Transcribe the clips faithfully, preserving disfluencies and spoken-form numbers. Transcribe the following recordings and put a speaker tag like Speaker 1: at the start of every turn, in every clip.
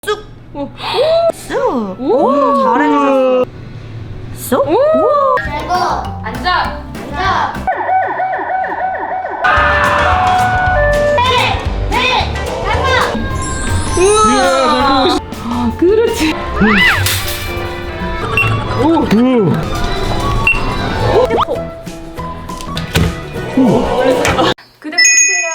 Speaker 1: 쑥! 쑥! 오! 잘해주셨어. 쑥! 오!
Speaker 2: 잘고
Speaker 3: 앉아.
Speaker 2: 앉아. 네, 네, 잠깐.
Speaker 1: 우와! 아, 그렇지.
Speaker 4: 오! 오!
Speaker 1: 구독해주세요.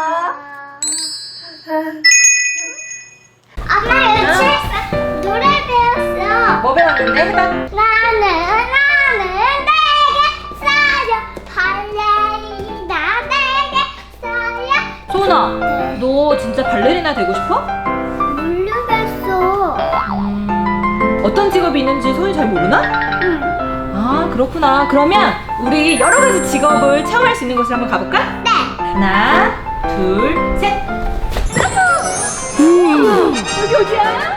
Speaker 2: 엄마 유치했어. 노래 배웠어.
Speaker 1: 뭐 배웠는데? 해봐.
Speaker 2: 나는 나는 내게 쌓여 발레리나 내게 쌓여.
Speaker 1: 소은아, 너 진짜 발레리나 되고 싶어?
Speaker 2: 모르겠어.
Speaker 1: 음, 어떤 직업이 있는지 소은이 잘 모르나?
Speaker 2: 응.
Speaker 1: 아, 그렇구나. 그러면 우리 여러 가지 직업을 체험할 수 있는 곳을 한번 가볼까?
Speaker 2: 네.
Speaker 1: 하나, 둘, 셋. 음, 여기 어디야?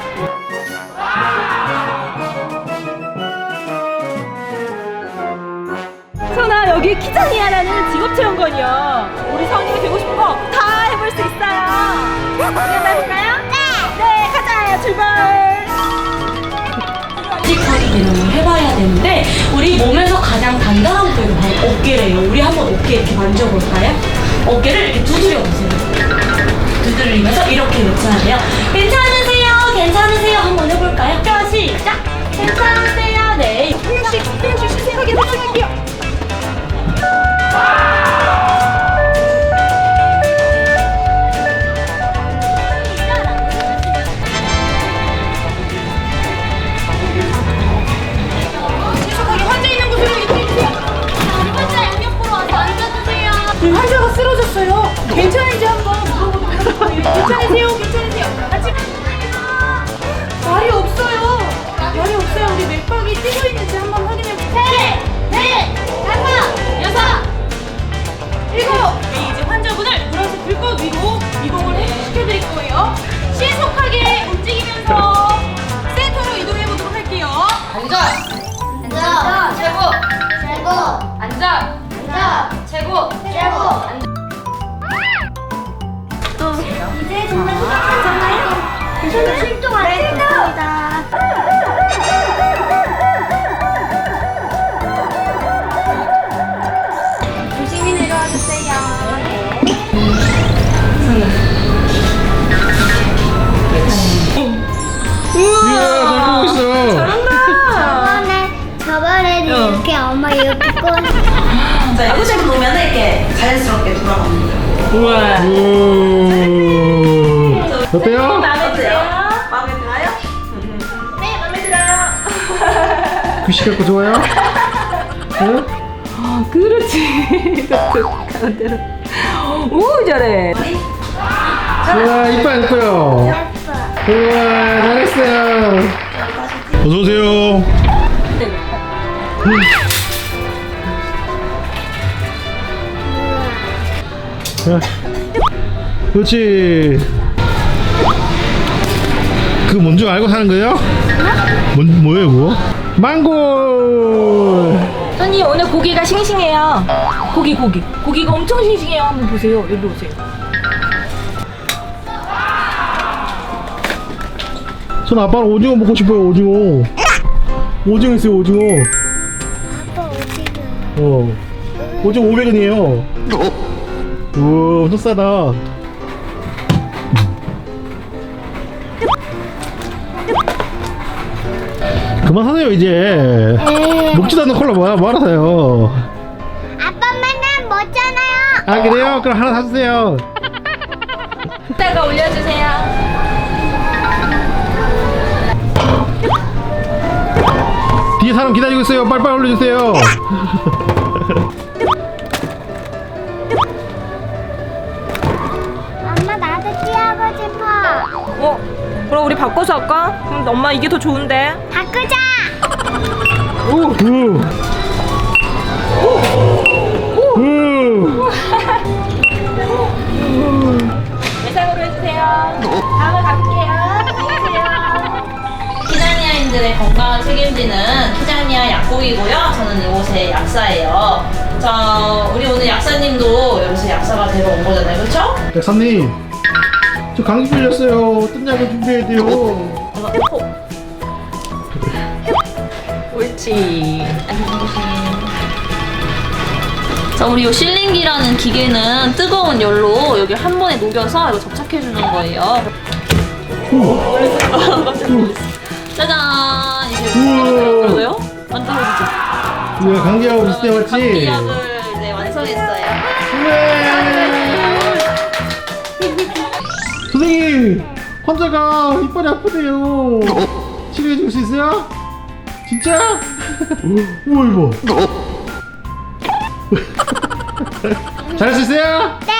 Speaker 1: 소은아, 여기 키자니아라는 직업 체험관이야. 우리 성인이 되고 싶은 거 다 해볼 수 있어요. 해볼까요? 네. 네, 가자. 출발.
Speaker 5: 씩하게 개념을 해봐야 되는데 우리 몸에서 가장 단단한 부위가 바로 어깨래요. 우리 한번 어깨 이렇게 만져볼까요? 어깨를 이렇게 두드려 보세요. 두드리면서 이렇게 외쳐야 돼요. 괜찮으세요? 괜찮으세요? 한번 해볼까요? 자, 시작! 괜찮으세요? 네.
Speaker 1: 하나씩, 하나씩 신세하게 설명할게요. 환자가 쓰러졌어요. 괜찮은지 한번 물어보도록 하겠습니다. 괜찮으세요? 괜찮으세요? 아침 말이 없어요. 말이 없어요. 우리 맥박이 뛰고 있는지 한번 확인해 볼게요.
Speaker 2: 셋, 넷, 다섯,
Speaker 1: 여섯, 일곱. 네, 이제 환자분을 물어서 들것 위로 이동을 시켜드릴 거예요. 신속하게 움직이면서 센터로 이동해 보도록 할게요.
Speaker 3: 앉아.
Speaker 2: 앉아.
Speaker 3: 최고.
Speaker 2: 잘고
Speaker 3: 앉아.
Speaker 2: 앉아.
Speaker 3: 최고.
Speaker 2: 잘고. 이제 정말 시작하잖아요. 저는 출동할 겁니다. 조심히 내려와 주세요.
Speaker 4: 이야, 잘 보고 있어.
Speaker 2: 저번에 저번에는
Speaker 1: 어.
Speaker 2: 이렇게 엄마 이거 듣고
Speaker 5: 자, 이거 좀 보면 이렇게 자연스럽게 돌아갑니다.
Speaker 1: 우와.
Speaker 4: 오. 어때요?
Speaker 1: 마음에 드세요?
Speaker 5: 마음에 들어요?
Speaker 1: 네, 마음에 들어요.
Speaker 4: 귀시 갖고 좋아요? 응?
Speaker 1: 아, 그렇지. 가운데로. 오, 잘해.
Speaker 4: 우와, 이뻐요, 이뻐요.
Speaker 2: 예뻐.
Speaker 4: 우와, 잘했어요. 어서오세요. 자, 그렇지. 그 뭔 줄 알고 사는 거예요? 뭔, 뭐예요, 그거? 망고!
Speaker 1: 선생님, 오늘 고기가 싱싱해요. 고기, 고기. 고기가 엄청 싱싱해요. 한번 보세요. 여기 오세요.
Speaker 4: 전 아빠는 오징어 먹고 싶어요, 오징어. 오징어 있어요, 오징어.
Speaker 2: 아빠 어디가?
Speaker 4: 어. 오징어 오백 원이에요. 우와, 엄청 싸다. 그만 사세요, 이제. 먹지도 않는 콜라 뭐야, 뭐하러 사요.
Speaker 2: 아빠 맨날 먹잖아요.
Speaker 4: 아, 그래요? 그럼 하나 사주세요.
Speaker 1: 이따가 올려주세요.
Speaker 4: 뒤에 사람 기다리고 있어요. 빨리빨리 올려주세요.
Speaker 2: 엄마 나도 뛰어보고 싶어.
Speaker 1: 어? 그럼 우리 바꿔서 할까? 그럼 엄마 이게 더 좋은데.
Speaker 2: 바꾸자.
Speaker 4: 오, 오. 오.
Speaker 1: 예상으로 해주세요. 다음에 갈게요. 안녕하세요.
Speaker 5: 키자니아인들의 건강을 책임지는 키자니아 약국이고요. 저는 이곳의 약사예요. 자, 우리 오늘 약사님도 여기서 약사가 되러 온 거잖아요. 그렇죠?
Speaker 4: 약사님, 저 감기 걸렸어요. 어떤 약을 준비해야 돼요?
Speaker 5: 이거 코. 옳지.
Speaker 3: 자, 우리 요 실링기라는 기계는 뜨거운 열로 여기 한 번에 녹여서 이거 접착해 주는 거예요. 짜잔. 이제
Speaker 4: 우와.
Speaker 3: 그러고요. 안 떨어지죠?
Speaker 4: 우리가 감기하고 비슷해 왔지?
Speaker 3: 감기약을 이제 완성했어요.
Speaker 4: 선생님! 환자가 이빨이 아프대요. 치료해 줄 수 있어요? 진짜? 우와 이거. 잘할 수 있어요? 네!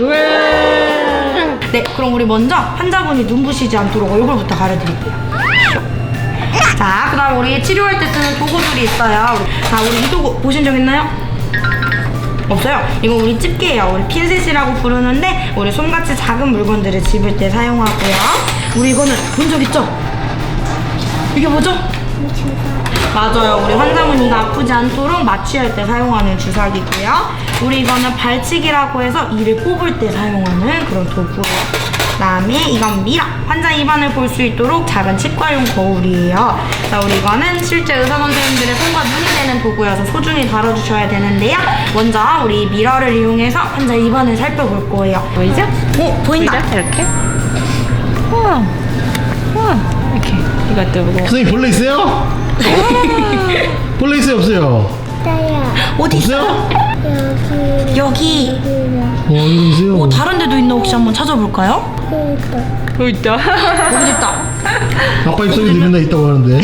Speaker 4: 왜?
Speaker 1: 네, 그럼 우리 먼저 환자분이 눈부시지 않도록 얼굴부터 가려드릴게요. 자, 그 다음 우리 치료할 때 쓰는 도구들이 있어요. 우리- 자, 우리 이 도구 보신 적 있나요? 없어요? 이거 우리 집게예요. 우리 핀셋이라고 부르는데 우리 손같이 작은 물건들을 집을 때 사용하고요. 우리 이거는 본 적 있죠? 이게 뭐죠? 맞아요. 우리 환자분이 이거 아프지 않도록 마취할 때 사용하는 주사기고요. 우리 이거는 발치기라고 해서 이를 뽑을 때 사용하는 그런 도구예요. 그다음에 이건 미러. 환자 입안을 볼 수 있도록 작은 치과용 거울이에요. 자, 우리 이거는 실제 의사 선생님들의 손과 눈이 되는 도구여서 소중히 다뤄주셔야 되는데요. 먼저 우리 미러를 이용해서 환자 입안을 살펴볼 거예요. 보이죠? 오, 보인다.
Speaker 3: 이렇게. 우와. 우와. 이렇게. 이거 뜨고.
Speaker 4: 선생님 벌레 있어요? 벌레 있어요 없어요?
Speaker 2: 있어요.
Speaker 1: 어디 있어요?
Speaker 2: 여기.
Speaker 1: 여기.
Speaker 4: 어 여기 있어요.
Speaker 1: 어, 다른 데도 있나 혹시 한번 찾아볼까요?
Speaker 2: 그거.
Speaker 3: 있다.
Speaker 1: 여기 있다.
Speaker 4: 아빠 입속에 있는 데 있다고 하는데.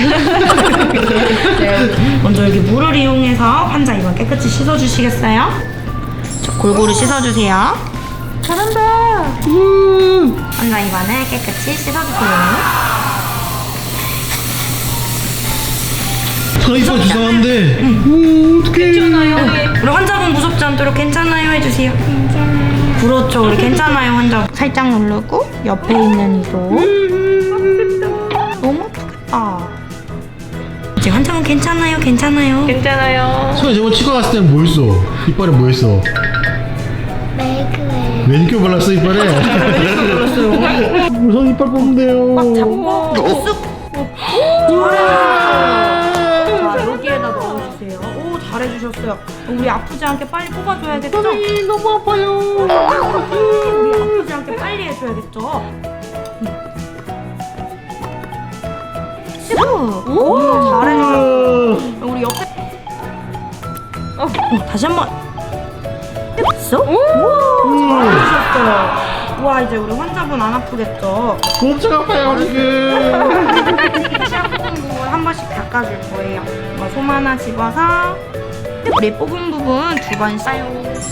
Speaker 1: 네, 먼저 여기 물을 이용해서 환자 입안 깨끗이 씻어주시겠어요? 자, 골고루 씻어주세요. 잘한다.
Speaker 4: 음.
Speaker 1: 환자 입안을 깨끗이 씻어주세요.
Speaker 4: 저 이빨 주사한데. 음 어떡해.
Speaker 1: 우리 환자분 무섭지 않도록 괜찮아요 해주세요.
Speaker 2: 괜찮아요.
Speaker 1: 그렇죠. 우리 괜찮아요 환자. 살짝 누르고 옆에 있는 이도. 너무 아프겠다. 이제 환자분 괜찮아요 괜찮아요.
Speaker 3: 괜찮아요.
Speaker 4: 선생님 저번 치과 갔을 때는 뭐 했어? 이빨에 뭐 했어?
Speaker 2: 메이크업.
Speaker 4: 매니큐어 발랐어 이빨에? 우리 선 이빨 뽑는데요.
Speaker 1: 잡고 쑥. 자, 여기에다 넣어주세요. 오, 잘해주셨어요. 우리 아프지 않게 빨리 뽑아줘야겠죠?
Speaker 4: 선생님 너무 아파요.
Speaker 1: 우리 아프지 않게 빨리 해줘야겠죠? 쑥. 오, 잘해주셨어요. 우리 옆에 어, 다시 한번 쑥. 우와, 잘해주셨어요. 와, 이제 우리 환자분 안 아프겠죠?
Speaker 4: 엄청 아파요 지금.
Speaker 1: 시약 뽑은 부분 한 번씩 닦아줄 거예요. 어, 솜 하나 집어서 우리 뽑은 부분 두 번 싸요.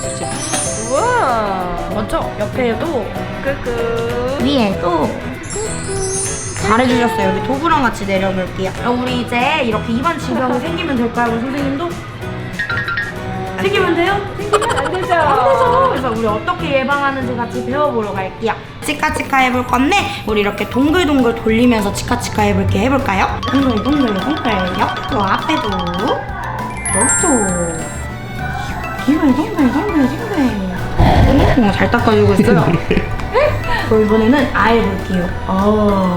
Speaker 3: 우와.
Speaker 1: 먼저 옆에도
Speaker 3: 끄끄.
Speaker 1: 위에도 잘해주셨어요. 여기 도구랑 같이 내려볼게요. 그럼 우리 이제 이렇게 입안 질병이 생기면 될까요, 우리 선생님도? 생기면 돼요? 생기면 안 되죠. 안 되죠. 그래서 우리 어떻게 예방하는지 같이 배워보러 갈게요. 치카치카 해볼 건데 우리 이렇게 동글동글 돌리면서 치카치카 해볼게 해볼까요? 동글동글 동글 옆도 앞에도 옆도 빙글 동글 동글 동글. 오, 잘 닦아주고 있어요. 그럼 이번에는 아예 볼게요. 아,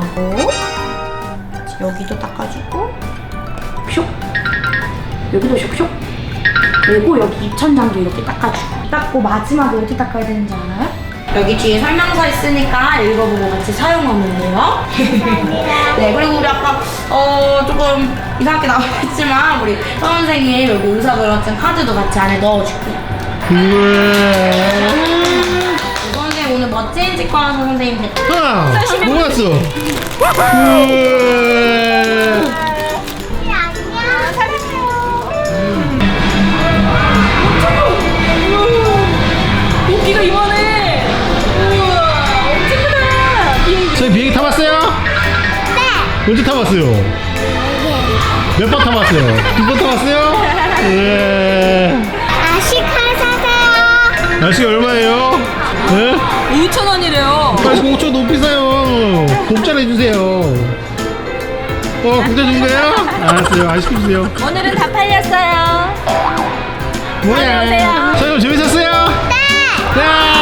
Speaker 1: 여기도 닦아주고, 슉. 여기도 슉슉. 그리고 여기 입천장도 이렇게 닦아주고. 닦고 마지막에 어디 닦아야 되는지 알아요? 여기 뒤에 설명서 있으니까 읽어보고 같이 사용하면 돼요. 네, 그리고 우리 아까 어 조금 이상하게 나왔지만 우리 선생님 여기 의사결합증 카드도 같이 안에 넣어줄게요.
Speaker 4: 우와.
Speaker 1: 선생님 오늘 멋진 치과 선생님 됐다.
Speaker 4: 아, 뭐 왔어? 우와.
Speaker 2: 안녕.
Speaker 3: 도끼가 이만해. 우와. 엄청 크다. 비행기.
Speaker 4: 저희 비행기 타봤어요? 네. 언제 타봤어요? 몇 번 타봤어요? 두 번 타봤어요? 네.
Speaker 2: 아시칼 사세요.
Speaker 4: 날씨가 얼마예요? 네?
Speaker 3: 오천 원이래요.
Speaker 4: 날씨 오천 너무 비싸요. 공짜로 해주세요. 어, 공짜 준 거예요? 알았어요. 안 시켜주세요.
Speaker 3: 오늘은 다 팔렸어요.
Speaker 4: 뭐야?
Speaker 3: 안녕하세요.
Speaker 4: 자, 그럼 재밌었어요? 네. 네.